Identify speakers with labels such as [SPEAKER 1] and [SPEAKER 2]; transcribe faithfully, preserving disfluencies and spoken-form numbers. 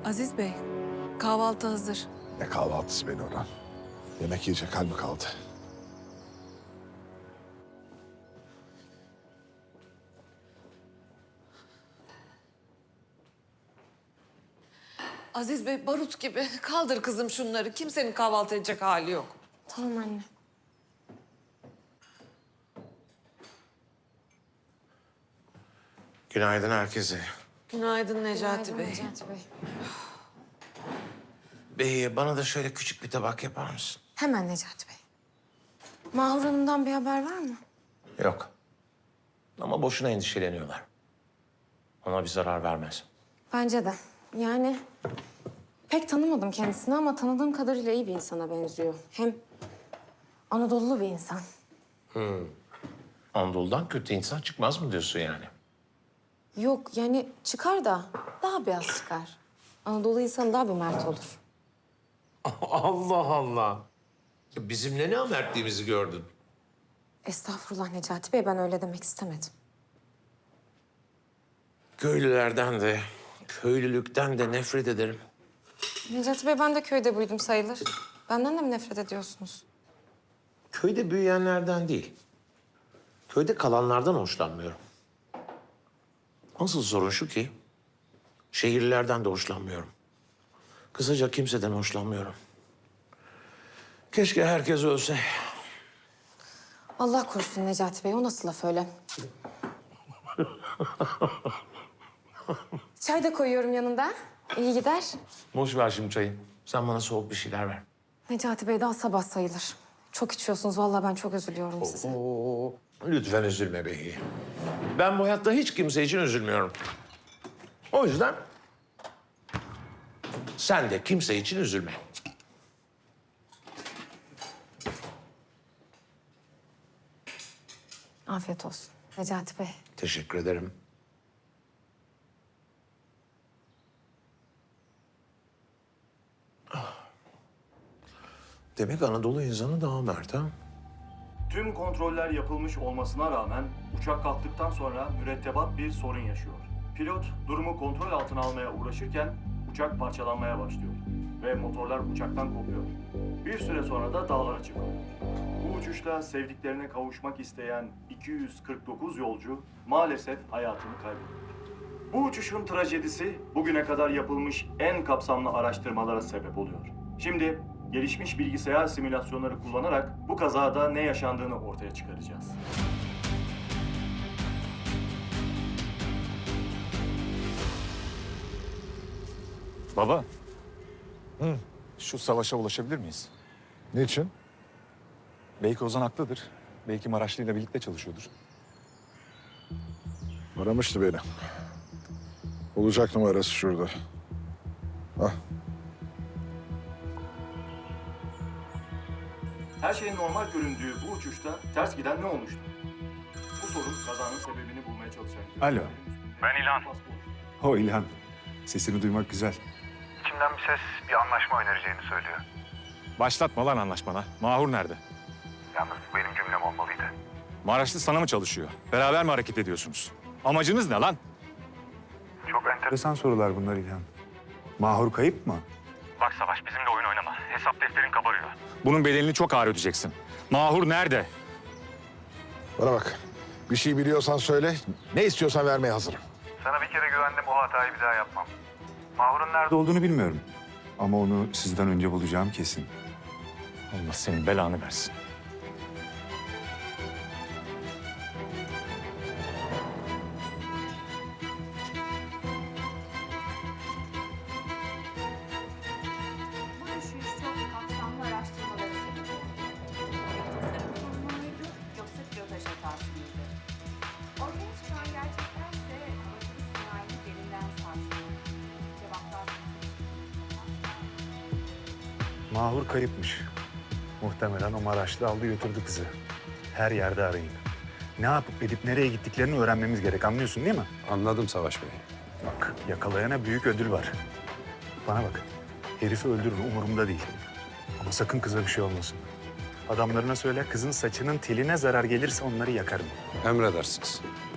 [SPEAKER 1] Aziz Bey, kahvaltı hazır.
[SPEAKER 2] Ne kahvaltısı beni Orhan? Yemek yiyecek hal mi kaldı?
[SPEAKER 1] Aziz Bey barut gibi. Kaldır kızım şunları. Kimsenin kahvaltı edecek hali yok.
[SPEAKER 3] Tamam anne.
[SPEAKER 4] Günaydın herkese.
[SPEAKER 1] Günaydın Necati
[SPEAKER 3] Günaydın
[SPEAKER 1] Bey.
[SPEAKER 3] Necati Bey.
[SPEAKER 4] Bey bana da şöyle küçük bir tabak yapar mısın?
[SPEAKER 3] Hemen Necati Bey. Mahur Hanım'dan bir haber var mı?
[SPEAKER 4] Yok. Ama boşuna endişeleniyorlar. Ona bir zarar vermez.
[SPEAKER 3] Bence de. Yani pek tanımadım kendisini ama tanıdığım kadarıyla iyi bir insana benziyor. Hem Anadolulu bir insan.
[SPEAKER 4] Anadolu'dan kötü insan çıkmaz mı diyorsun yani?
[SPEAKER 3] Yok yani çıkar da daha beyaz çıkar. Anadolu insanı daha bir mert olur.
[SPEAKER 4] Allah Allah. Ya bizimle ne amertliğimizi gördün?
[SPEAKER 3] Estağfurullah Necati Bey, ben öyle demek istemedim.
[SPEAKER 4] Köylülerden de, köylülükten de nefret ederim.
[SPEAKER 3] Necati Bey, ben de köyde büyüdüm sayılır. Benden de mi nefret ediyorsunuz?
[SPEAKER 4] Köyde büyüyenlerden değil. Köyde kalanlardan hoşlanmıyorum. Asıl sorun şu ki, şehirlilerden de hoşlanmıyorum. Kısaca kimseden hoşlanmıyorum. Keşke herkes ölse.
[SPEAKER 3] Allah korusun Necati Bey, o nasıl laf öyle? Çay da koyuyorum yanında. İyi gider.
[SPEAKER 4] Boş ver şimdi çayı. Sen bana soğuk bir şeyler ver.
[SPEAKER 3] Necati Bey, daha sabah sayılır. Çok içiyorsunuz. Vallahi ben çok üzülüyorum size.
[SPEAKER 4] Oo, lütfen üzülme beyi. Ben bu hayatta hiç kimse için üzülmüyorum. O yüzden sen de kimse için üzülme.
[SPEAKER 3] Afiyet olsun Necati Bey.
[SPEAKER 4] Teşekkür ederim. Ah. Demek Anadolu insanı daha mert ha?
[SPEAKER 5] Tüm kontroller yapılmış olmasına rağmen uçak kalktıktan sonra mürettebat bir sorun yaşıyor. Pilot durumu kontrol altına almaya uğraşırken uçak parçalanmaya başlıyor ve motorlar uçaktan kopuyor. Bir süre sonra da dağlara çıkıyor. Bu uçuşta sevdiklerine kavuşmak isteyen iki yüz kırk dokuz yolcu maalesef hayatını kaybediyor. Bu uçuşun trajedisi bugüne kadar yapılmış en kapsamlı araştırmalara sebep oluyor. Şimdi gelişmiş bilgisayar simülasyonları kullanarak bu kazada ne yaşandığını ortaya çıkaracağız.
[SPEAKER 6] Baba. Hı. Şu savaşa ulaşabilir miyiz?
[SPEAKER 2] Niçin?
[SPEAKER 6] Belki Ozan haklıdır. Belki Maraşlı ile birlikte çalışıyordur.
[SPEAKER 2] Aramıştı beni. Olacak numarası şurada. Ah,
[SPEAKER 5] Her şeyin normal göründüğü bu uçuşta ters giden ne olmuştu? Bu sorun kazanın sebebini bulmaya çalışan...
[SPEAKER 6] Alo.
[SPEAKER 7] Ben İlhan.
[SPEAKER 6] O İlhan. Sesini duymak güzel.
[SPEAKER 7] İçimden bir ses bir anlaşma önereceğini söylüyor.
[SPEAKER 6] Başlatma lan anlaşmana. Mahur nerede?
[SPEAKER 7] Yalnız bu benim cümlem olmalıydı.
[SPEAKER 6] Maraşlı sana mı çalışıyor? Beraber mi hareket ediyorsunuz? Amacınız ne lan?
[SPEAKER 7] Çok enter...
[SPEAKER 6] Enteresan sorular bunlar İlhan. Mahur kayıp mı?
[SPEAKER 7] Bak Savaş, bizimle oyun oynama. Hesap defterin kabarıyor.
[SPEAKER 6] Bunun bedelini çok ağır ödeyeceksin. Mahur nerede?
[SPEAKER 2] bana bak. Bir şey biliyorsan söyle. Ne istiyorsan vermeye hazırım.
[SPEAKER 7] Sana bir kere güvendim, o hatayı bir daha yapmam. Mahur'un nerede
[SPEAKER 6] Nerede olduğunu bilmiyorum. Ama onu sizden önce bulacağım kesin. Allah senin belanı versin.
[SPEAKER 8] Bu düşüş çok kapsamlı araştırmalara sebep oldu. Tasarım sorunu muydu yoksa pilotaj hatası mıydı? Ortaya çıkan gerçekler ise havacılık sanayini derinden sarstı. Cevaplar...
[SPEAKER 9] Mahur kayıpmış. Muhtemelen o Maraşlı aldı götürdü kızı. Her yerde arayın. Ne yapıp edip nereye gittiklerini öğrenmemiz gerek, anlıyorsun değil mi?
[SPEAKER 10] Anladım Savaş Bey.
[SPEAKER 9] Bak, yakalayana büyük ödül var. Bana bak, herifi öldürün, umurumda değil. Ama sakın kıza bir şey olmasın. Adamlarına söyle, kızın saçının teline zarar gelirse onları yakarım.
[SPEAKER 10] Emredersiniz.